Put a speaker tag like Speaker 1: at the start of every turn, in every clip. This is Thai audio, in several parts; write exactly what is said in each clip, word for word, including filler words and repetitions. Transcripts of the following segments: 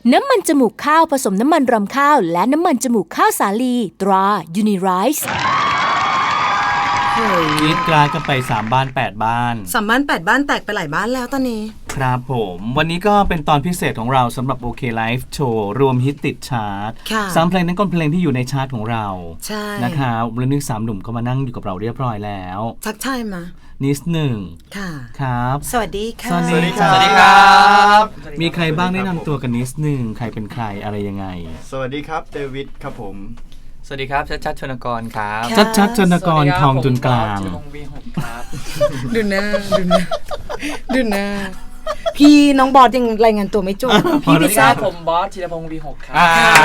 Speaker 1: น้ำมันจมูกข้าวผสมน้ำมันรำข้าวและน้ำมันจมูกข้าวสาลีตรา Unirice
Speaker 2: กรีดกราดกันไปสามบ้านแปดบ้าน
Speaker 3: สามบ้านแปดบ้านแตกไปหลายบ้านแล้วตอนนี้
Speaker 2: ครับผมวันนี้ก็เป็นตอนพิเศษของเราสำหรับ โอ เค Live Show รวมฮิตติดชาร์ตสามเพลงนั้นก็เพลงที่อยู่ในชาร์ตของเรา
Speaker 3: ใช่
Speaker 2: นะครับวันนี้สามหนุ่มก็มานั่งอยู่กับเราเรียบร้อยแล้ว
Speaker 3: ทักทายมา
Speaker 2: นิดหนึ่ง
Speaker 3: ค่ะ
Speaker 2: ครับ
Speaker 3: สวัสดีค่ะ
Speaker 2: สวัสดี
Speaker 4: ครับสวัสดีครับ
Speaker 2: มีใครบ้างแนะนำตัวกันนิดหนึ่งใครเป็นใครอะไรยังไง
Speaker 4: สวัสดีครับเดวิดครับผม
Speaker 5: สวัสดีครับชัดชัดชนกรครับ
Speaker 2: ชัดชัดชนกรทองจุนกลาง
Speaker 3: ดูหน้าดูหน้าดูหน้าพี่น้องบอสยังรายงานตัวไม่จบ
Speaker 5: พี่พิซซ่าผมบอสธีรพงศ์ วี หก ครับ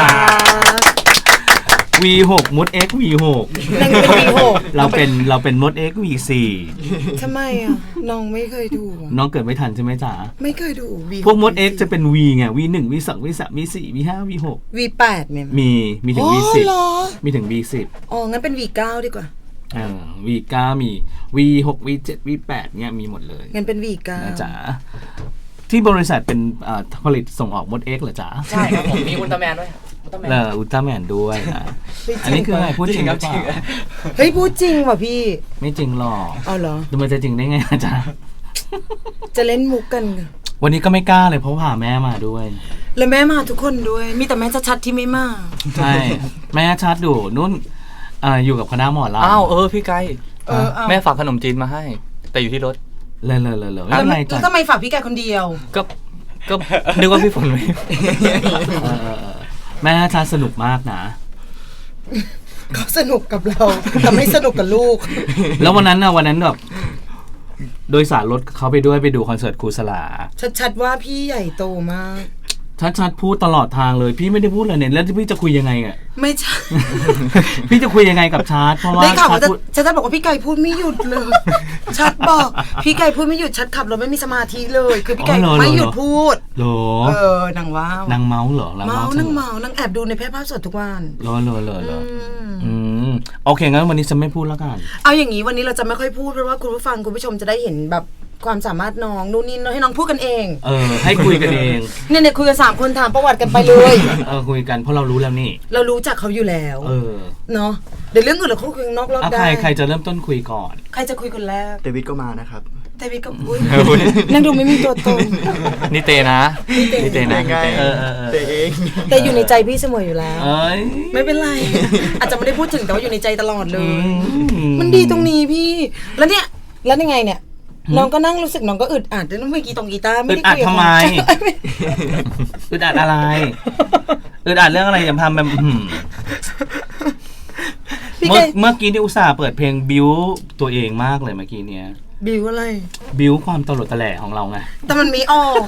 Speaker 2: วี หก มด X วี หก
Speaker 3: นั่นเป็น วี หก
Speaker 2: เราเป็นเราเป็นมด X วี สี่
Speaker 3: ทำไมอ่ะน้องไม่เคยดู
Speaker 2: น้องเกิดไม่ทันใช่ไหมจ๋า
Speaker 3: ไม่เคยดู
Speaker 2: พวกมด X จะเป็น V ไง วี หนึ่ง วี สอง วี สาม วี สี่ วี ห้า วี หก
Speaker 3: วี แปดเนี่ย
Speaker 2: มีมีถึง วี สิบมีถึง วี สิบ
Speaker 3: อ๋องั้นเป็น วี เก้าดีกว่า
Speaker 2: อ่า วี เก้า มี วี หก วี เจ็ด วี แปดเนี่ยมีหมดเลย
Speaker 3: งั้นเป็น วี เก้า
Speaker 2: นะจ๋าที่บริษัทเป็นผลิตส่งออกมด X เหรอจ๋า
Speaker 5: ใช่ครับผมมีอุลตร้าแมนด้วย
Speaker 2: เอออุลตร้าแมนด้วยนะอันนี้คืออะไรพูดจริงหรือเปล่า
Speaker 3: เฮ้ยพูดจริงว่ะพี่
Speaker 2: ไม่จริงหรอก
Speaker 3: อ๋อเหรอ
Speaker 2: มันจะจริงได้ไงอาจารย์
Speaker 3: จะเล่นมุกกัน
Speaker 2: วันนี้ก็ไม่กล้าเลยเพราะพาแม่มาด้วย
Speaker 3: แล้วแม่มาทุกคนด้วยมีแต่แม่ชัดที่ไม่มา
Speaker 2: ใช่แม่ชัดดูนุ่นอยู่กับคณะหมอลำ
Speaker 5: อ้าวเออพี่ไก่แม่ฝากขนมจีนมาให้แต่อยู่ที่รถ
Speaker 2: เลยเลยเลยเลย
Speaker 3: แล้วทำไมฝากพี่ไก่คนเดียว
Speaker 5: ก็ก็นึกว่าพี่ฝนไม่
Speaker 2: แม่ชัดสนุกมากนะ
Speaker 3: เขาสนุกกับเราแต่ไม่สนุกกับลูก
Speaker 2: แล้ววันนั้นนะวันนั้นแบบโดยสารรถเขาไปด้วยไปดูคอนเสิร์ตครูสลา
Speaker 3: ชัดๆว่าพี่ใหญ่โตมาก
Speaker 2: ชัดๆพูดตลอดทางเลยพี่ไม่ได้พูดเลยเนี่ยแล้วพี่จะคุยยังไงอ่ะ
Speaker 3: ไม่ใช่
Speaker 2: พี่จะคุยยังไงกับชัดเพราะว่า
Speaker 3: ชัดพูดชัดบอกว่าพี่ไก่พูดไม่หยุดเลยชัดบอกพี่ไก่พูดไม่หยุดชัดขับรถไม่มีสมาธิเลยคือพี่ไก่ไม่หยุดพูด
Speaker 2: เหรอ
Speaker 3: เออนางว้าวน
Speaker 2: างเมาเหรอ
Speaker 3: เมานางเมานางแอบดูในแพร่ภาพสดทุกวัน
Speaker 2: เหรอเหรอเหรอเหรออืมโอเคงั้นวันนี้จะไม่พูดแล้วกัน
Speaker 3: เอาอย่างนี้วันนี้เราจะไม่ค่อยพูดเพราะว่าคุณผู้ฟังคุณผู้ชมจะได้เห็นแบบความสามารถน้องนู่นนี่ให้น้องพูดกันเอง
Speaker 2: เออให้คุยกันเอง
Speaker 3: เนี่ยเนี่ยคุยกันสามคนถามประวัติกันไปเลย
Speaker 2: เออคุยกันเพราะเรารู้แล้วนี่
Speaker 3: เรารู้จักเขาอยู่แล้ว
Speaker 2: เออ
Speaker 3: เนาะเดี๋ยวเรื่องอื่นเราคุยนอกรอบได้
Speaker 2: ใครใครจะเริ่มต้นคุยก่อน
Speaker 3: ใครจะคุยคนแรก
Speaker 4: เดวิดก็มานะครับ
Speaker 3: เดวิดก็พูดนั่งดูไม่มีตัวตน
Speaker 5: นี่เตนะนี่เตนะ
Speaker 4: เออเตเอง
Speaker 3: แต่อยู่ในใจพี่เสมออยู่แล้วไม่เป็นไรอาจจะไม่ได้พูดถึงแต่ว่าอยู่ในใจตลอดเลยมันดีตรงนี้พี่แล้วเนี่ยแล้วยังไงเนี่ยน้องก็นั่งรู้สึกน้องก็อึดอัดแล้วเมื่อกี้ตรงกีตาร์ไม่ได้คุย
Speaker 2: ทำไมอึดอัดอะไรอึดอัดเรื่องอะไรอย่าทำแบบเมื่อเมื่อกี้ที่อุตส่าห์เปิดเพลงบิวตัวเองมากเลยเมื่อกี้เนี้ย
Speaker 3: บิวอะไร
Speaker 2: บิวความตลกตะแหล่ของเราไง
Speaker 3: แต่มันมีออก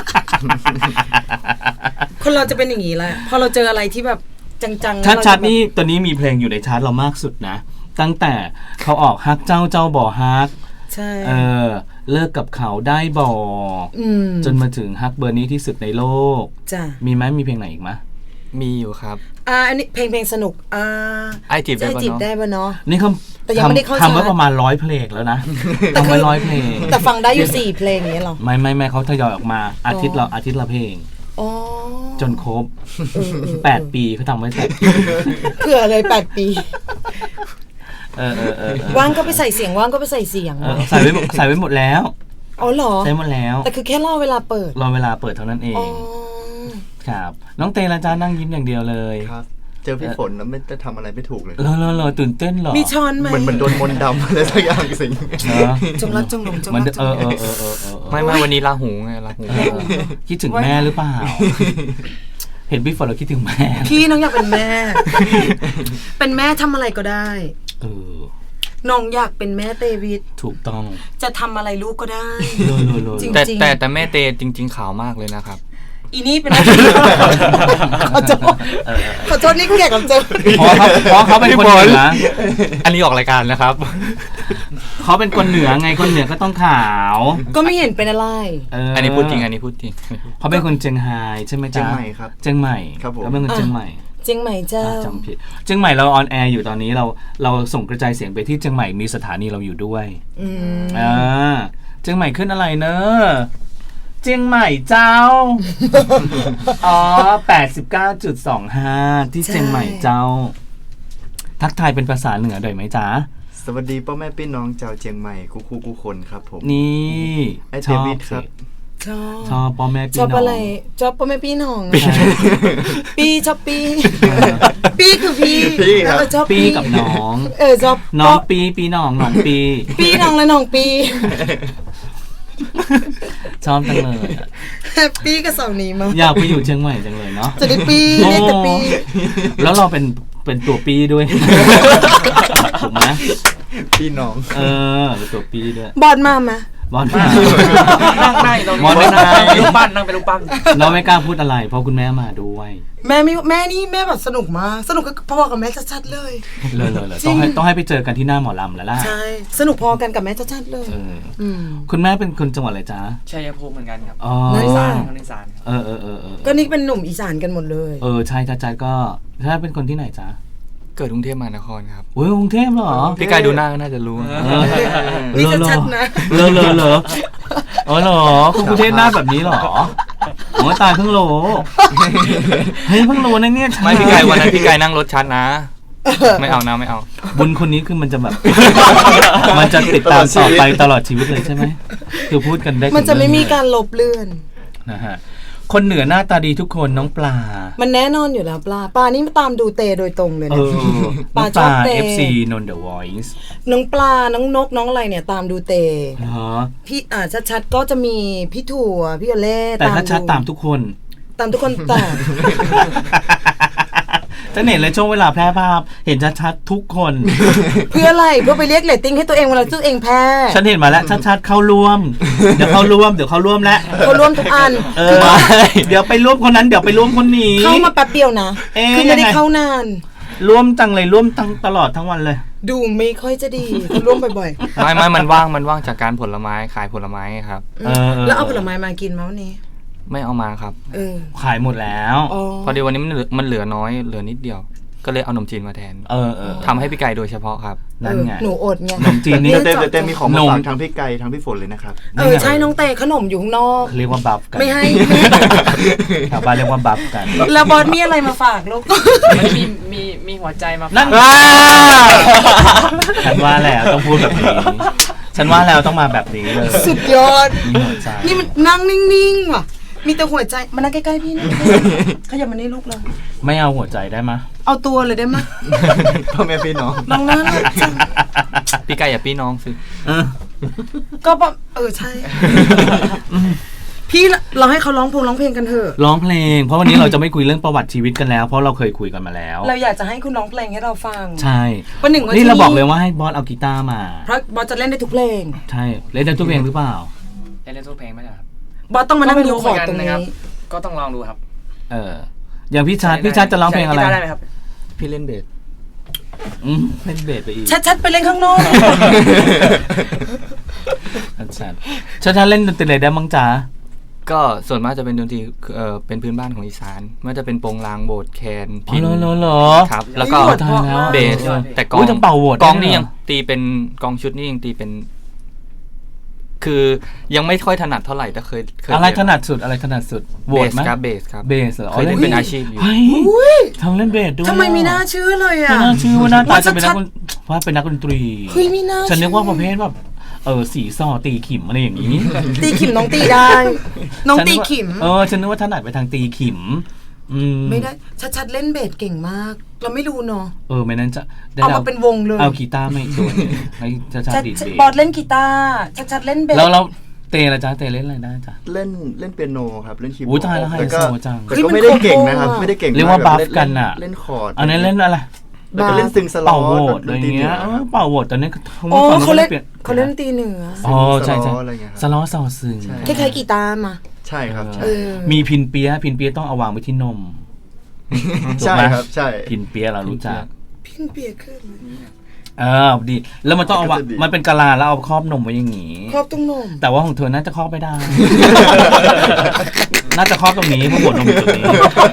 Speaker 3: คนเราจะเป็นอย่างนี้แหละพอเราเจออะไรที่แบบจัง
Speaker 2: ๆชัดๆนี่ตอนนี้มีเพลงอยู่ในชาร์ตเรามากสุดนะตั้งแต่เขาออกฮักเจ้าเจ้าบ่อฮัก
Speaker 3: ใช่
Speaker 2: เออเลิกกับเขาได้บอกจนมาถึงฮักเบอร์นี้ที่สุดในโลก
Speaker 3: จ้ะ
Speaker 2: มีไหมมีเพลงไหนอีกไหม
Speaker 5: มีอยู่ครับ
Speaker 3: อ่าอันนี้เพลงเพลงสนุกอ่า
Speaker 5: ไอจีบได้
Speaker 3: จีบได้ป่ะเนาะ
Speaker 2: นี่เขา
Speaker 3: แต่ยังไม่ได้เข้า
Speaker 2: ทำไว้ประมาณร้อยเพลงแล้วนะทำไว้ร้อยเพลง
Speaker 3: แต่ฟังได้อยู่สี่เพลงนี้หรอ
Speaker 2: ไม่ไม่ไม่เขาทยอยออกมาอาทิตย์ละอาทิตย์ละเพลงจนครบแปดปีเขาทำไว้แปดปี
Speaker 3: เผื่อเลยแปดปี
Speaker 2: เออเออเออ
Speaker 3: ว่างก็ไปใส่เสียงว่างก็ไปใส่เสียง
Speaker 2: ใส่ไว้ใส่ไว้หมดแล้ว
Speaker 3: อ๋อเหรอ
Speaker 2: ใส่หมดแล้ว
Speaker 3: แต่คือแค่รอเวลาเปิด
Speaker 2: รอเวลาเปิดเท่านั้นเองครับน้องเตละจ้านั่งยิ้มอย่างเดียวเลย
Speaker 4: ครับเจอพี่ฝนแล้วไม่จะทำอะไรไม่ถูกเลย
Speaker 2: รอรอรอตื่นเต้นหรอ
Speaker 3: มีช้อนไหม
Speaker 4: เหมือนเหมือนโดนมนต์ดำอะไรสักอย่างสิง
Speaker 3: จงรักจงหลงจงรัก
Speaker 2: เออเออเออเออ
Speaker 5: ไม่ไม่วันนี้ลาหูไงลาหู
Speaker 2: คิดถึงแม่หรือเปล่าเห็นพี่ฝนเราคิดถึงแม่
Speaker 3: พี่น้องอยากเป็นแม่เป็นแม่ทำอะไรก็ได้
Speaker 2: เออ
Speaker 3: น้องอยากเป็นแม่เตวิด
Speaker 2: ถูกต้อง
Speaker 3: จะทำอะไรลูกก็ได้
Speaker 5: จริงๆแต่แต่แม่เตจริงๆขาวมากเลยนะครับ
Speaker 3: อีนี่เป็นขอโทษขอโทษนี่แขกรับเชิญ
Speaker 2: เพราะเขาเพราะเขาเป็นคนเหนือ
Speaker 5: อันนี้ออกรายการนะครับ
Speaker 2: เขาเป็นคนเหนือไงคนเหนือก็ต้องขาว
Speaker 3: ก็ไม่เห็นเป็นอะไร
Speaker 5: อันนี้พูดจริงอันนี้พูดจริง
Speaker 2: เขาเป็นคนเชียงไฮ้ใช่ไหมจ๊ะ
Speaker 4: เชียงใหม่ครับ
Speaker 2: เชียงใหม่เขาเป็นคนเชียงใหม่
Speaker 3: เชียงใหม่เจ้า
Speaker 2: จำผิดเชียงใหม่เราออนแอร์อยู่ตอนนี้เราเราส่งกระจายเสียงไปที่เชียงใหม่มีสถานีเราอยู่ด้วยอ่าเชียงใหม่ขึ้นอะไรเนอะเจียงใหม่เจ้า อ๋อ แปดสิบเก้าจุดสองห้า ที่เจียงใหม่เจ้า ทักทายเป็นภาษาเหนือได้ไหมจ๊ะ
Speaker 4: สวัสดีพ่อแม่พี่น้องชาวเชียงใหม่กูคูกูคนครับผม
Speaker 2: นี่
Speaker 4: ไอ้
Speaker 2: ช
Speaker 4: เด
Speaker 2: อบ
Speaker 4: วิดครับ
Speaker 3: ชอบ
Speaker 2: ชอบพ่อแม่พี่
Speaker 3: ชอบ
Speaker 2: น้อง
Speaker 3: อะไรชอบพ่อแม่พี่น้องปีชอบปีปีคือพี่
Speaker 4: พี่ครับ
Speaker 3: เออชอบ
Speaker 2: ปีกับน้อง
Speaker 3: เออชอบ
Speaker 2: น้องปีปีน้องน้องปี
Speaker 3: ปีน้องและน้องปี
Speaker 2: ชอบจังเลยอะ
Speaker 3: แฮปปี้กับสองนี้มั้ง
Speaker 2: อยากไปอยู่เชียงใหม่จังเลยเนาะ
Speaker 3: จะได้ปี
Speaker 2: โอ้
Speaker 3: เรียกแต่ปี
Speaker 2: แล้วเราเป็นเป็นตัวปีด้วย ถูกไหม
Speaker 4: พี่น้อง
Speaker 2: เออเป็นตัวปีด้วย
Speaker 3: บอลมาไหม
Speaker 2: บอล
Speaker 5: นั่งนั่งอยู่ตรง
Speaker 2: มอ
Speaker 5: นี้
Speaker 2: นไม่ได้
Speaker 5: นั่งเป็นรูปปั้นนั่งเป็นรูปปั้น
Speaker 2: เราไม่กล้าพูดอะไร เพราะคุณแม่มาด้วย
Speaker 3: แม่ไม่แม่นี่แม่แบบสนุกมากสนุกกับพ่อกับแม่ชัดๆเลย
Speaker 2: เลยเลยเลย
Speaker 3: จริ
Speaker 2: ต้อง งให้ต้องให้ไปเจอกันที่หน้าหมอลำแล้วล่ะ
Speaker 3: ใช่สนุกพอกันกับแม่ชัดๆเลย
Speaker 2: เออ
Speaker 3: อืม
Speaker 2: คุณแม่เป็นคนจังหวัดอะไรจ๊ะ
Speaker 5: ชัยภูมิเหมือนกันครับ
Speaker 2: อ๋อ
Speaker 3: นั่น
Speaker 5: อี
Speaker 3: แห
Speaker 5: สา
Speaker 3: ละ
Speaker 5: นคนอีสานครับ
Speaker 2: เออเออเออเออ
Speaker 3: ก็นี่เป็นหนุ่มอีสานกันหมดเลย
Speaker 2: เออใช่จ้าจ้าก็ถ้าเป็นคนที่ไหนจ๊ะ
Speaker 5: เกิดกรุงเทพมหานครครับ
Speaker 2: โอ้ยกรุงเทพเหรอ
Speaker 5: พี่กายดูหน้าก็น่าจะรู้
Speaker 2: เออ
Speaker 3: นี่ชัดๆนะ
Speaker 2: เลอเลอเลออ๋อเหรอคุณกรุงเทพหน้าแบบนี้เหรอโอ้ยตายเพิ่งรู้เฮ้ยเพิ่งรู้นะเนี่ย
Speaker 5: ไม่พี่กายวันนั้นพี่กายนั่งรถชัดนะ ไม่เอานะไม่เอา
Speaker 2: บุญคนนี้คือมันจะแบบ มันจะติดตามต่อไปตลอดชีวิตเลยใช่ไหมคือพูดกันได้ถึง
Speaker 3: มันจะไม่มีการลบเลือน
Speaker 2: นะฮะคนเหนือหน้าตาดีทุกคนน้องปลา
Speaker 3: มันแน่นอนอยู่แล้วปลาปลานี่มาตามดูเตโดยตรงเลย
Speaker 2: เอ
Speaker 3: นะ
Speaker 2: อ
Speaker 3: ปลา
Speaker 2: น้อง
Speaker 3: ชอบเต
Speaker 2: เอฟซีนนเดอะวอยซ์
Speaker 3: น้องปลาน้องนกน้องอะไรเนี่ยตามดูเต
Speaker 2: เหรอ
Speaker 3: พี่อ่าชัดๆก็จะมีพี่ถั่วพี่โอเล่
Speaker 2: แต่ถ้าชัดตามทุกคน
Speaker 3: ตามทุกคนแต่
Speaker 2: จะเห็นเลยช่วงเวลาแพร่ภาพเห็นชัดๆทุกคน
Speaker 3: เพื่ออะไรเพื่อไปเรียกเรตติ้งให้ตัวเองเวลาตัวเองแพ้
Speaker 2: ฉันเห็นมาแล้วชัดๆเข้าร่วม เดี๋ยวเข้าร่วมเดี๋ยวเข้าร่วมแล้ว
Speaker 3: เขาร่วมทุกอัน
Speaker 2: เออเดี๋ยวไปร่วมคนนั้นเดี๋ยวไปร่วมคนนี้
Speaker 3: เข้ามาแป๊บเดียวนะ
Speaker 2: เอ๊ะ
Speaker 3: คือไม่ได้
Speaker 2: ยังไง
Speaker 3: เข้านาน
Speaker 2: ร่วมจังเลยร่วมตั้งตลอดทั้งวันเลย
Speaker 3: ดูไม่ค่อยจะดีร่วมบ่อย
Speaker 5: ไม่ไม่มันว่างมันว่างจากการผลไม้ขายผลไม้ครับ
Speaker 3: ๆ
Speaker 2: เออ
Speaker 3: แล้วเอาผลไม้มากินมั้ยวันนี้
Speaker 5: ไม่เอามาครับ
Speaker 3: เออ
Speaker 2: ขายหมดแล้ว
Speaker 3: อ๋อ
Speaker 5: พอดีวันนี้มันเหลือมันเหลือน้อยเหลือนิดเดียว ก็เลยเอาขนมจีนมาแทน
Speaker 2: เออเออ
Speaker 5: ทำให้พี่กายโดยเฉพาะครับ
Speaker 2: นั่นไง
Speaker 3: เออหนูอดไง
Speaker 2: ขนมจีนนี่
Speaker 4: เต้เต้เต้มีของมา
Speaker 2: หนุ่ม
Speaker 4: ฝากทั้งพี่ไก่ทั้งพี่ฝนเลยนะครับ
Speaker 3: เออใช่น้องเตขนมอยู่ข้างนอก
Speaker 2: เรียกว่าบัฟกัน
Speaker 3: ไม่ให้
Speaker 2: ชาวบ้านเรียกว่าบัฟกัน
Speaker 3: แล้วบอสมีอะไรมาฝากลูก
Speaker 6: มันมีมีมีหัวใจมา
Speaker 2: นั่
Speaker 6: ฝาน ก
Speaker 2: ฉันว่าแล้วต้องพูดแบบนี้ ฉันว่าแล้วต้องมาแบบนี้เลย
Speaker 3: สุดยอด
Speaker 2: มีหัวใจ
Speaker 3: นี่มันนั่งนิ่งๆว่ะ มีแต่หัวใจมานั่งใกล้ๆพี่นะขยับมานี่ลูกเลย
Speaker 2: ไม่เอาหัวใจได้มะ
Speaker 3: เอาตัวเลยได้ไหมย
Speaker 4: พ่อแม่พี่น้อง
Speaker 3: น้องน่ารักจัง
Speaker 5: พี่กายอย่าพี่น้องสิ
Speaker 2: เออ
Speaker 3: ก็แบบเออใช่ พี่เราให้เขาร้องเพลงร้องเพลงกันเถอะ
Speaker 2: ร้องเพลง เพราะวันนี้เราจะไม่คุยเรื่องประวัติชีวิตกันแล้ว เพราะเราเคยคุยกันมาแล้ว
Speaker 3: เราอยากจะให้คุณร้องเพลงให้เราฟัง
Speaker 2: ใช่
Speaker 3: วันหนึ่งวัน
Speaker 2: นี่
Speaker 3: ที่
Speaker 2: เราบอกเลยว่าให้บอสเอากีตาร์มา
Speaker 3: เพราะบอสจะเล่นได้ทุกเพลง
Speaker 2: ใช่เล่นได้ทุกเพลงหรือเปล่า
Speaker 6: เล่นทุกเพลงไหมครับ
Speaker 3: บอสต้องมานั่ง
Speaker 6: ก็ไม่
Speaker 3: ดู
Speaker 6: รู้
Speaker 3: คอร์ด
Speaker 6: เหมือนกัน
Speaker 3: ตรง
Speaker 6: นะ
Speaker 3: นี้
Speaker 6: ครับ ก็ต้องลองดูครับ
Speaker 2: เออ อย่างพี่ชัดพี่ชัดจะร้องเพลงอะไร
Speaker 6: ใช้กีตาได้ไหมครับ
Speaker 5: พี่เล่นเบส
Speaker 2: อืมเล่นเบสไปอีก
Speaker 3: ชัดๆไปเล่นข้างนอก
Speaker 2: ชัดชัดชัดชัดเล่นดนตรีอะไรได้บ้างจ๊ะ
Speaker 5: ก็ส่วนมากจะเป็นดนตรีเอ่อเป็นพื้นบ้านของอีสานไม่ว่าจะเป็นโปงลางโบสถ์แคน
Speaker 2: อ๋อ
Speaker 5: พิณ
Speaker 2: เหรอเหรอเหรอ
Speaker 5: ครับ แล้วก็
Speaker 3: โอ้ย
Speaker 2: ตายแล้ว
Speaker 5: เบส
Speaker 6: เออ
Speaker 5: แต่กลอ
Speaker 2: อุ๊
Speaker 5: ง
Speaker 2: ยต้องเป่าโหวต
Speaker 5: กลอง
Speaker 2: ได้
Speaker 5: นี่
Speaker 2: เหรอ
Speaker 5: ยังตีเป็นกลองชุดนี่ยังตีเป็น คือยังไม่ค่อยถนัดเท่าไหร่แต่เคยเคย
Speaker 2: อะไร
Speaker 5: เรีย
Speaker 2: ถนัดสุดอะไรถนัดสุดโหว
Speaker 5: เบ
Speaker 2: ต
Speaker 5: ส
Speaker 2: ไหม
Speaker 5: ครับเบสครับ
Speaker 2: เบสเหรอ
Speaker 5: เคยเล่นเป็นอาชีพอยู่
Speaker 2: เฮ้ยทำเล่นเบสด้วย
Speaker 3: ทำไมมีหน้าชื่อเลย
Speaker 2: ไม่
Speaker 3: อ่ะ
Speaker 2: น่าชื่อว่าหน้าตา
Speaker 3: ว่า
Speaker 2: จะเป็นนั
Speaker 3: ชั
Speaker 2: ก
Speaker 3: ด
Speaker 2: ดนว่าเป็นนักดนตรี
Speaker 3: เฮ้ยมีหน้า
Speaker 2: ฉันนึกว่าป
Speaker 3: ชื่อ
Speaker 2: ระเภทแบบเออสีซอตีขิมอะไรอย่างนี้
Speaker 3: ตีขิมน้องตีได้ น้องตีขิม
Speaker 2: เออฉันนึกว่าถนัดไปทางตีขิม อืม
Speaker 3: ไม่ได้ชัดๆเล่นเบสเก่งมาก เราไม่รู้เนาะ
Speaker 2: เออไม่นั้นจะได้
Speaker 3: เอามาเป็นวงเลย
Speaker 2: เอากีตาร์ไม่ตัวหนึงให้จะชา
Speaker 3: ชัด
Speaker 2: ดีดเบส
Speaker 3: บอสเล่นกีตาร์ชัดๆเล่นเบส
Speaker 2: แล้วเราเตะละจ๊ะเตะเล่นอะไรได้จ๊ะ
Speaker 4: เล่นเล่นเปียโนครับเล่นคีย์บ
Speaker 2: อุ๊
Speaker 4: อย ร์ด
Speaker 2: ตายแล้วไฮ
Speaker 4: แต่ก็
Speaker 2: โซจัง
Speaker 4: แต่ก็ไม่ได้เก่งนะครับไม่ได้เก่ง
Speaker 2: เรียกว่า
Speaker 4: แบบ
Speaker 2: บัฟ
Speaker 4: ล่
Speaker 2: กันน่ะ
Speaker 4: เล่นคอร์ด
Speaker 2: อันนี้เล่นอะไร
Speaker 4: แล้วก็เล่นซึงสล็อ
Speaker 2: เป่าโหว
Speaker 4: ต
Speaker 2: ตอะไรอย่างเงี้ยเออเป่าโหวตตอนนี้เขา
Speaker 3: โอ้
Speaker 2: ฟัง
Speaker 3: เขาเล่น
Speaker 2: ปลี่ย
Speaker 3: เขาเล่นตีเหนือ
Speaker 2: อ๋อใช่ใช่
Speaker 4: สล้ออะไรเงี้ย
Speaker 2: ส
Speaker 4: ครับ
Speaker 2: ล้อซอซึง
Speaker 4: ใช่
Speaker 3: คล้ายๆกีตาร์มา
Speaker 4: ใช่ครับใช่
Speaker 3: เออ
Speaker 2: มีพินเปียะพินเปียะต้องเอาวางไว้ที่นม
Speaker 4: ใช่
Speaker 2: ถูกไหม
Speaker 4: ครับใช่
Speaker 2: พินเปียะเรารู้จัก
Speaker 3: พินเปียกขึ้น
Speaker 2: เออดี แล้วมันต้องเอาวะ
Speaker 4: ก็จะดี
Speaker 2: มันเป็นกะลาแล้วเอาครอบนมไว้อย่างงี้
Speaker 3: ครอบตรงนม
Speaker 2: แต่ว่าของเธอน่าจะครอบไม่ได้ น่าจะครอบตรงนี้เพราะหัวนมอยู่ตรงนี้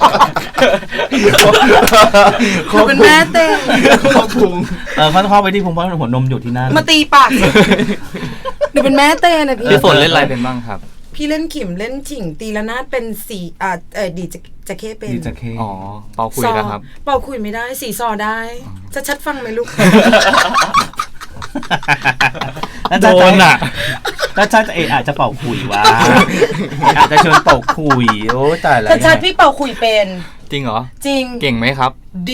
Speaker 3: เขาเป็นแม่เต้น
Speaker 4: ครอบพุง
Speaker 2: เออเขาจะครอบไว้ที่พุงเพราะหัวนมอยู่ที่นั่น
Speaker 3: มาตีปากหนูเป็นแม่เต้นนะพี่
Speaker 5: พี่ฝนเล่นอะไรเป็นบ้างครับ
Speaker 3: พี่เล่นขิมเล่นฉิงตีละนาดเป็นสีอ่าเออดีจะจะเข้เป็น
Speaker 2: ดีจะเค
Speaker 5: อ๋อเป่าคุย
Speaker 3: ซอ
Speaker 5: นะครับ
Speaker 3: เป่าคุยไม่ได้สีซอได้จะชัดฟังไหมลูก
Speaker 2: แล้ว
Speaker 5: โด
Speaker 2: จะ
Speaker 5: นอ่ะ
Speaker 2: แล้วจะเออาจจะเป่าคุยว่าอาจจะชวนเป่าคุยโอ้ตายแล้ว
Speaker 3: ชัดชัดพี่เป่าคุยเป็น
Speaker 5: จริงเหรอ
Speaker 3: จริง
Speaker 5: เก่งไหมครับ
Speaker 3: ดี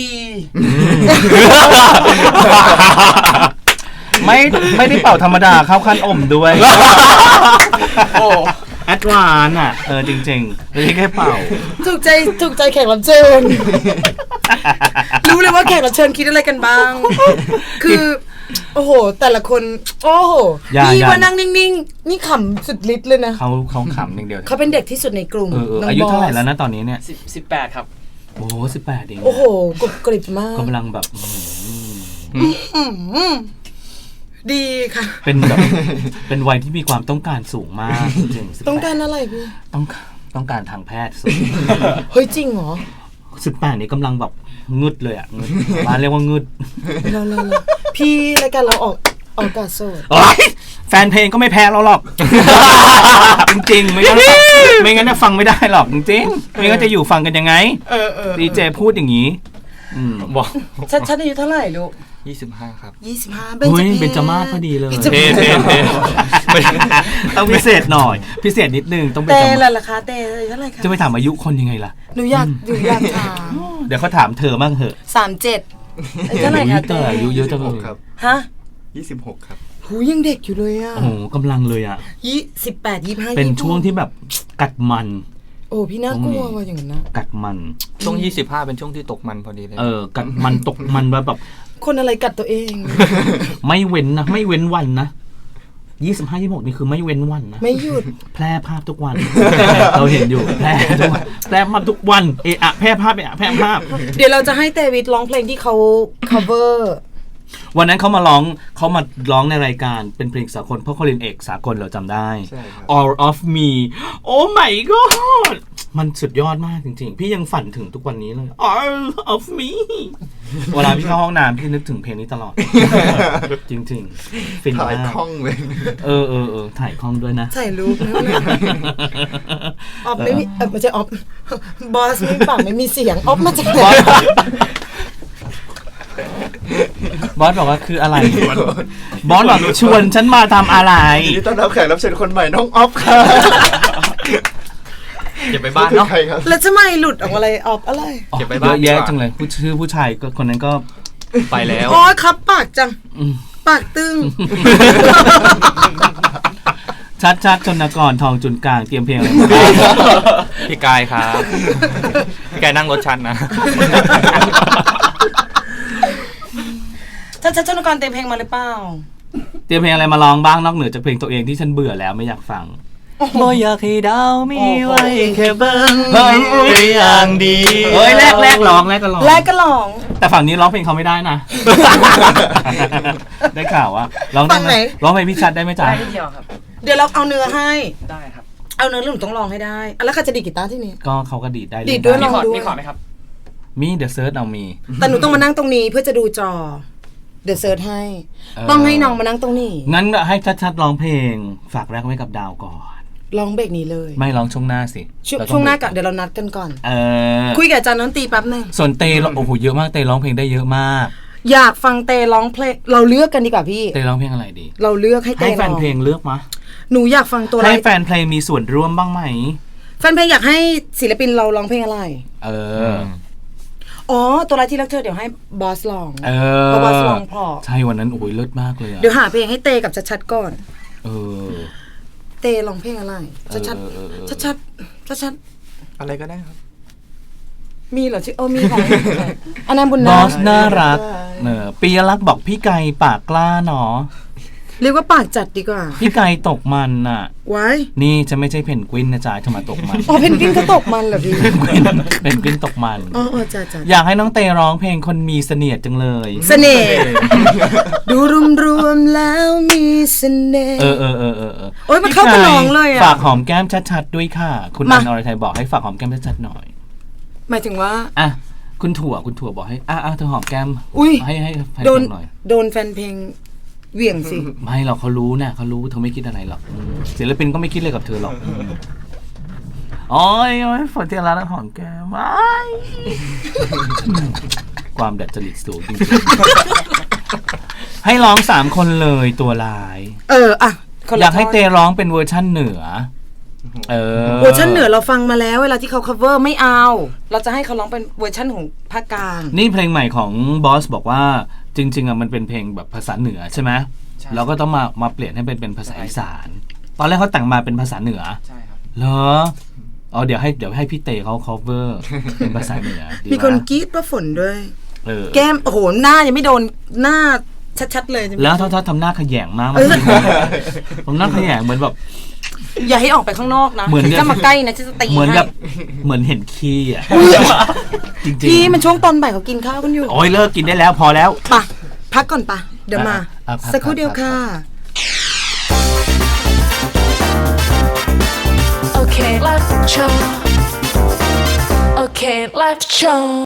Speaker 2: ไม่ไม่ได้เป่าธรรมดาเข้าขั้นอมด้วย
Speaker 6: โอ้
Speaker 2: แอดวานอ่ะเออจริงๆไม่ใช่แค่เป่า
Speaker 3: ถูกใจถูกใจแขกรับเชิญ รู้เลยว่าแขกรับเชิญคิดอะไรกันบ้าง คือ โอ้โห แต่ละคน โอ้โห
Speaker 2: อย่า
Speaker 3: พี่
Speaker 2: อย่า
Speaker 3: ว่านั่งนิ่งๆ นี่ขำสุดฤทธิ์เลยนะ
Speaker 2: เขาเขาขำอย่างเดียว
Speaker 3: เขาเป็นเด็กที่สุดในกลุ่ม
Speaker 2: เออเออ
Speaker 3: น้ง
Speaker 2: อายุเท่าไหร่
Speaker 3: บส
Speaker 2: แล้วนะตอนนี้เนี่ย
Speaker 6: สิบสิบแปดครับ
Speaker 2: โอ้สิบแปดเอง
Speaker 3: โอ้โหกรุบกริบมาก
Speaker 2: กำลังแบบอืม
Speaker 3: อืมดีค่ะ
Speaker 2: เป็นแบบ เป็นวัยที่มีความต้องการสูงมากจริงๆ
Speaker 3: ต้องการอะไรพี่
Speaker 2: ต้องต้องการทางแพทย์สูง
Speaker 3: เฮ้ยจริงเหรอ
Speaker 2: สิบแปดนี้กำลังแบบงึดเลยอ่ะงึดบ้านเรียกว่างึด
Speaker 3: เราเราเราพี่รายการเราออกออกอากาศสด
Speaker 2: โอ๊ยแฟนเพลงก็ไม่แพ้เราหรอก จริงๆ ไม่งั้นไม่งั้นจะฟังไม่ได้หรอกจริงๆไม่งั้นจะอยู่ฟังกันยังไง
Speaker 3: เออเออ
Speaker 2: ดีเจพูดอย่างนี้ อืม
Speaker 5: บอก
Speaker 3: ชัดชัดอายุเท่าไหร่ลูก
Speaker 5: ยี่สิบห้าครับ
Speaker 3: ยี่สิบห้า
Speaker 2: เฮ้ยเป็นจมาศพอดีเลย
Speaker 3: เบญจ
Speaker 5: เท่
Speaker 3: มาศ
Speaker 5: เท่เท่
Speaker 2: ต้องพิเศษหน่อย พิเศษนิดนึงต้องเป็น
Speaker 3: เต้
Speaker 2: จมา
Speaker 3: ละ
Speaker 2: ศ
Speaker 3: ราคาเต้เท่าไหร่คะ
Speaker 2: จะไปถามอายุคนยังไงล่ะ
Speaker 3: หนูอยากหนูอยากถาม
Speaker 2: เดี๋ยวเขาถามเธอบ้างเหอะ
Speaker 3: สามเจ็ดเท่าไหร่คะ
Speaker 2: เตอ
Speaker 3: เต้
Speaker 2: อายุเยอะจังเลย
Speaker 4: ครับ
Speaker 3: ฮะ
Speaker 4: ยี่สิบหกครับ
Speaker 3: หูยังเด็กอยู่เลยอ่ะ
Speaker 2: โอ้โหกำลังเลยอ่ะ
Speaker 3: ยี่สิบแปดยี่ห้า
Speaker 2: เป็นช่วงที่แบบกัดมัน
Speaker 3: โอ้พี่น่ากลัวว่ะอย่างนั้นนะ
Speaker 2: กัดมัน
Speaker 5: ช่วงยี่สิบห้าเป็นช่วงที่ตกมันพอดีเลย
Speaker 2: เออ กัดมันตกมันแบบ
Speaker 3: คนอะไรกัดตัวเอง
Speaker 2: ไม่เว้นนะ ไม่เว้นวันนะยี่สิบห้ายี่หกนี่คือไม่เว้นวันนะ
Speaker 3: ไม่หยุด
Speaker 2: แพร่ภาพทุกวัน เราเห็นอยู่แพร่ทุกวันแพร่ภาพทุกวัน เอะอะแพร่ภาพเอะอะแพร่ภาพ
Speaker 3: เดี๋ยวเราจะให้เตวิทร้องเพลงที่เขา cover
Speaker 2: วันนั้นเขามาร้องเขามาร้องในรายการเป็นเพลงสากลเพราะเขาเรียนเอกสากลเราจำได้
Speaker 4: ใช่ครับ
Speaker 2: All of me โอ้ my god มันสุดยอดมากจริงๆ พี่ยังฝันถึงทุกวันนี้เลย All of me เวลาพี่เข้าห้องน้ำพี่นึกถึงเพลงนี้ตลอด จริงๆ ฟิน
Speaker 4: ถ่าย
Speaker 2: มาก
Speaker 4: คล่องเลย
Speaker 2: เออเออเออถ่ายคล่องด้วยนะ
Speaker 3: ใส่รูปนะออฟไม่มีเออไม่ใช่ออฟบอสไม่ปากไม่มีเสียงออฟมาจากไหน
Speaker 2: บอสบอกว่าคืออะไร บอสบอกชวนฉันมาทำอะไร
Speaker 4: ยินดีต้อนรับแขกรับเชิญคนใหม่น้องออฟครับ
Speaker 5: เก็บไปบ้านเนาะ
Speaker 4: ใครครับ
Speaker 3: แล้วจะไม่หลุดออกมาอะไรออฟอะไร
Speaker 5: เก็บไว้
Speaker 2: เย
Speaker 5: บ้าน
Speaker 2: อะ
Speaker 5: ดีกว่า
Speaker 2: แยะจังเลยผู้ชื่อผู้ชายก็คนนั้นก็
Speaker 5: ไปแล้ว
Speaker 3: โอ้ยครับปากจัง
Speaker 2: อืม
Speaker 3: ปากตึง
Speaker 2: ชัดชัดชนกรทองจุนกลางเตรียมเพลงอะไรมาบ้าง
Speaker 5: พี่กายครับ พี่กายนั่งรถชันนะ
Speaker 3: ชัดชัดชนกรเต็มเพลงมาหรือเปล่า
Speaker 2: เตรียมเพลงอะไรมาร้องบ้างนอกเหนือจากเพลงตัวเองที่ฉันเบื่อแล้วไม่อยากฟัง
Speaker 5: บ่อยากให้ดาวมีไว้แค่เบิ้ง
Speaker 2: เฮ้ย
Speaker 5: เป็นอย่างดี
Speaker 2: เฮ้ยแรกแรกร้องแรกก็ร้อง
Speaker 3: แรกก็ร้อง
Speaker 2: แต่ฝั่งนี้ร้องเพลงเขาไม่ได้นะ ได้ข่าวว่าร้องได้
Speaker 3: ฝั่ง
Speaker 2: ไห
Speaker 3: ไห
Speaker 2: ม
Speaker 3: น
Speaker 2: ร้องเพลงพี่ชัดได้ไหมจ๊ะ
Speaker 6: ได้นิดเดียวครับ
Speaker 3: เดี๋ยวเราเอาเนื้อให้
Speaker 6: ได้ครับ
Speaker 3: เอาเนื้อแล้วหนูต้องร้องให้ได้อ่ะแล้วใครจะดีดกีตาร์ที่นี่
Speaker 2: ก็เขาก็ดีดได้
Speaker 3: ดีดด้วย
Speaker 2: เล่
Speaker 3: ล
Speaker 6: มี
Speaker 3: อง
Speaker 6: ขอร์ด
Speaker 3: ด้วย
Speaker 6: มีขอร์ดไหมครับ
Speaker 2: มีเดอะเซิร์ชเอามี
Speaker 3: แต่หนูต้องมานั่งตรงนี้เพื่อจะดูจอ เดี๋ยวเซิร์ชให้
Speaker 2: เออ
Speaker 3: ต้องให้น้องมานั่งตรงนี้
Speaker 2: งั้นให้ชัดๆร้องเพลง ฝากแรกไว้กับดาวก่อน
Speaker 3: ร้องเบรกนี้เลย
Speaker 2: ไม่ร้องช่วงหน้าสิ
Speaker 3: ช่วง
Speaker 2: เรต้อง
Speaker 3: ช่วงหน้าก่อนเดี๋ยวเรานัดกันก่อน
Speaker 2: เออ
Speaker 3: คุยกับอาจารย์น้นตรีแป๊บหนึง
Speaker 2: ส่วนเตร้องโอ้โหเยอะมากเตร้องเพลงได้เยอะมาก
Speaker 3: อยากฟังเตร้องเพลงเราเลือกกันดีกว่าพี่
Speaker 2: เตร้องเพลงอะไรดี
Speaker 3: เราเลือกให้เต
Speaker 2: ให้แฟ
Speaker 3: ร้
Speaker 2: น
Speaker 3: อง
Speaker 2: เพลงเลือกมะ
Speaker 3: หนูอยากฟังตัวอะไร
Speaker 2: ให้แฟนเพลงมีส่วนร่วมบ้างไหม
Speaker 3: แฟนเพลงอยากให้ศิลปินเราร้องเพลงอะไร
Speaker 2: เอ
Speaker 5: เอ
Speaker 2: อ
Speaker 5: อ
Speaker 3: อ๋อ ตัวอะไรที่รักเธอเดี๋ยวให้บอสร้อง
Speaker 2: เอ
Speaker 3: เพราะ
Speaker 2: อ
Speaker 3: บอสร้องเพราะ
Speaker 2: ใช่วันนั้นโอ้ยเลิศมากเลยอะ
Speaker 3: เดี๋ยวหาเพลงให้เตกับชัดๆก่อน
Speaker 2: เออ
Speaker 3: เตร้องเพลงอะไรชัด
Speaker 2: เออเออเออ
Speaker 3: ๆชัดๆชัด
Speaker 5: อะไรก็ได้ครับ
Speaker 3: ๆมีเหรอชื่อเออมีของอันนั้นบุญ
Speaker 2: บ
Speaker 3: นา
Speaker 2: อสน่ารักเนอปียรักษ์บอกพี่ไก่ปากกล้าเนาะ
Speaker 3: เรียกว่าปากจัดดีกว่า
Speaker 2: พี่ไก่ตกมันน่ะ
Speaker 3: ไว้
Speaker 2: นี่จะไม่ใช่เพนกวินนะจ๊ะจะมาตกมัน
Speaker 3: อ๋อเพนกวินเขาตกมันเหรอพี่
Speaker 2: เพนกวินเพนกวินตกมัน
Speaker 3: อ๋ออ๋อจ้าจ้า
Speaker 2: อยากให้น้องเตร้องเพลงคนมีเสนียดจังเลย
Speaker 3: เสน่ห์ดูรวมๆแล้วมีเสน่ห์
Speaker 2: เออเออเออเออเออ
Speaker 3: โอ๊ยมันเข้ากับน้องเลยอะ
Speaker 2: ฝากหอมแก้มชัดๆด้วยค่ะ คุณ
Speaker 3: มา
Speaker 2: อันอรไทยบอกให้ฝากหอมแก้มชัดๆหน่อย
Speaker 3: หมายถึงว่า
Speaker 2: อ่ะคุณถั่วคุณถั่วบอกให้อ่ะอ่ะเธอหอมแก้ม
Speaker 3: อุ๊ย
Speaker 2: ให้ให้แฟน
Speaker 3: โดน
Speaker 2: เพลงหน่อย
Speaker 3: โดนแฟนเพลงเหวี่ยงสิ
Speaker 2: ไม่หรอกเขารู้นะเขารู้เธอไม่คิดอะไรหรอกอืมศิลปินก็ไม่คิดเลยกับเธอหรอกอืมโอ้ยโอ้ยฝนเทียนร้านหอมแก้มว้ายความดัดจริตสูงจริงๆให้ร้องสามคนเลยตัวลาย
Speaker 3: เอออะคนละ
Speaker 2: อยากให้
Speaker 3: ท่น
Speaker 2: เตร้องเป็นเวอร์ชั่นเหนือ เออ
Speaker 3: เวอร์ชันเหนือเราฟังมาแล้วเวลาที่เขา cover ไม่เอา เราจะให้เขาร้องเป็นเวอร์ชันของภาคกลาง
Speaker 2: นี่เพลงใหม่ของบอสบอกว่าจริงๆอ่ะมันเป็นเพลงแบบภาษาเหนือใช่ไหม
Speaker 6: ใช่
Speaker 2: เราก็ต้องมามาเปลี่ยนให้เป็นเป็นภาษาอีสาน ตอนแรกเขาแต่งมาเป็นภาษาเหนือ
Speaker 6: ใช่ครับ
Speaker 2: เหรออ๋อเดี๋ยวให้เดี๋ยวให้พี่เตเขา cover เป็นภาษาเหนือดี
Speaker 3: มีคน
Speaker 2: ปะ
Speaker 3: กรี๊ดว่าฝนด้วย
Speaker 2: เออ
Speaker 3: แก้มโอ้โหหน้ายังไม่โดนหน้าชัดๆเลยใช่ไหม
Speaker 2: แล้วถ้าถ้าทำหน้าขยงมากมันทำหน้าขยงเหมือนแบบ
Speaker 3: อย่าให้ออกไปข้างนอกนะ
Speaker 2: เหมือน
Speaker 3: จะมาใกล้นะจะตี
Speaker 2: เหมือน
Speaker 3: ให้
Speaker 2: แบบเหมือนเห็นขี้อ่ะจริงๆ
Speaker 3: พี่มันช่วงตอนบ่ายเขากินข้าวกันอยู่
Speaker 2: โอ้ยเลิกกินได้แล้วพอแล้ว
Speaker 3: ปะพักก่อนปะเดี๋ยวมา
Speaker 2: อ่ะอ่ะพัก
Speaker 3: สักครู่เดียว
Speaker 2: พัก
Speaker 3: ค่ะ
Speaker 7: Okay, let's show. Okay, let's show.